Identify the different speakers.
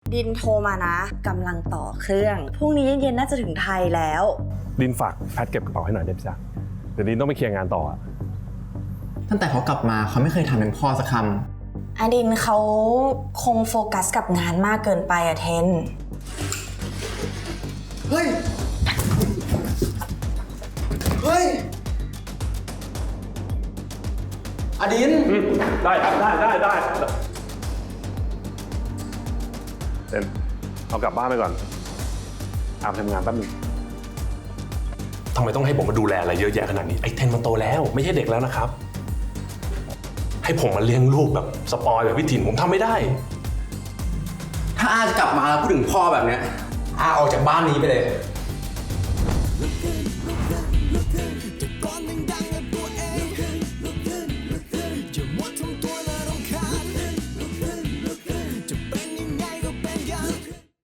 Speaker 1: ดินโทรมานะกำลังต่อเครื่องพรุ่งนี้เย็นๆน่าจะถึงไทยแล้ว
Speaker 2: ดินฝากแพทเก็บกระเป๋าให้หน่อยได้ไหมจ๊ะเดี๋ยวดินต้องไปเคลียร์งานต่อ
Speaker 3: ตั้งแต่เขากลับมาเขาไม่เคยทำเป็นพ่อสักคำ
Speaker 1: อดินเขาคงโฟกัสกับงานมากเกินไปอะเทน
Speaker 3: เฮ้ย เฮ้ย อดิน
Speaker 2: ได้ครับได้เต้นเอากลับบ้านไปก่อนอาบทำงานแป๊บนึง
Speaker 4: ทำไมต้องให้ผมมาดูแลอะไรเยอะแยะขนาดนี้ไอ้เทนมันโตแล้วไม่ใช่เด็กแล้วนะครับ ให้ผมมาเลี้ยงลูกแบบสปอยแบบพี่ถิ่นผมทำไม่ได้
Speaker 3: ถ้าอาจะกลับมาแล้วพูดถึงพ่อแบบเนี้ยอาออกจากบ้านนี้ไปเลย
Speaker 5: จะมัวทำตัวน่ารำคาญจะเป็นยังไงก็เป็นกัน